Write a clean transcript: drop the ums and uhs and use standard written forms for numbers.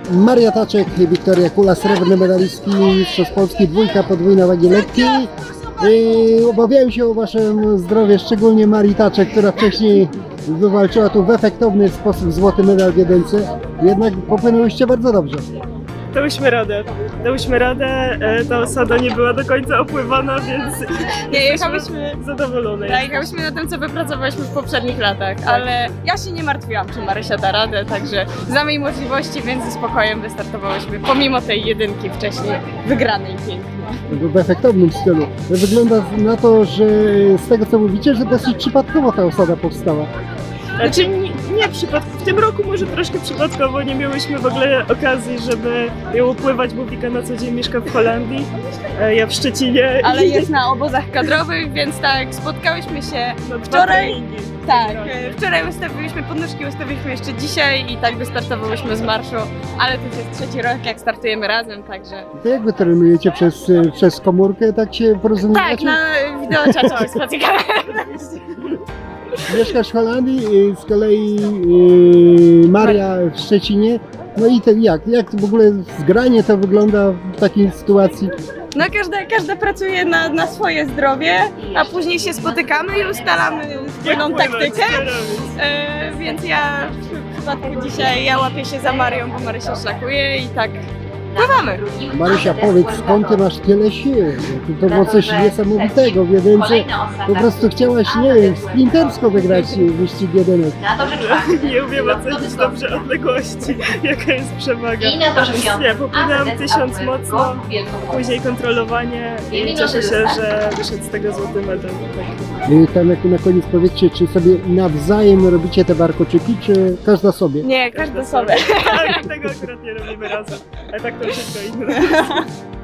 Maria Taczek, Wiktoria Kula, srebrny medalistki, mistrzostw Polski, dwójka, podwójna wagi lekkiej. Obawiałem się o wasze zdrowie, szczególnie Marii Taczek, która wcześniej wywalczyła tu w efektowny sposób złoty medal w jedynce. Jednak popłynęłyście bardzo dobrze. Dałyśmy radę. Ta osada nie była do końca opływana, więc Nie, jechałyśmy, zadowolone. jechałyśmy na tym, co wypracowałyśmy w poprzednich latach, ale ja się nie martwiłam, czy Marysia da radę, także znamy jej możliwości, więc ze spokojem wystartowałyśmy, pomimo tej jedynki wcześniej wygranej pięknie. W efektownym stylu. Wygląda na to, że z tego co mówicie, że dosyć przypadkowo ta osada powstała. Znaczy nie przypadkowo. W tym roku może troszkę przypadkowo nie miałyśmy w ogóle okazji, żeby ją opływać, bo Wika na co dzień mieszka w Holandii, ja w Szczecinie. Ale jest na obozach kadrowych, więc tak, spotkałyśmy się No, wczoraj. Tak, wczoraj ustawiliśmy podnóżki, ustawiliśmy jeszcze dzisiaj i tak wystartowałyśmy z marszu, ale to już jest trzeci rok, jak startujemy razem, także... To jak wy trenujecie przez komórkę, tak się Tak, porozumiewacie? na wideoczacie się spotykamy. Mieszkasz w Holandii, z kolei Maria w Szczecinie. No i ten jak w ogóle zgranie to wygląda w takiej sytuacji? No każda pracuje na swoje zdrowie, a później się spotykamy i ustalamy wspólną taktykę. Więc ja w przypadku dzisiaj ja łapię się za Marią, bo Marysia szlakuje i tak pływamy. Marysia, powiedz, skąd ty masz tyle sił? To było coś niesamowitego w jedynce. Po prostu chciałaś, nie wiem, sprintersko wygrać wyścig jedynek. Nie umiem ocenić dobrze odległości, jaka jest przewaga. Więc nie, popłynęłam 1000 mocno, później kontrolowanie i cieszę się, że wyszedł z tego złoty medal. Tam na koniec powiedzcie, czy sobie nawzajem robicie te warkoczyki, czy każda sobie? Nie, każda sobie. Tak, tego akurat nie robimy razem, ale tak to wszystko inne.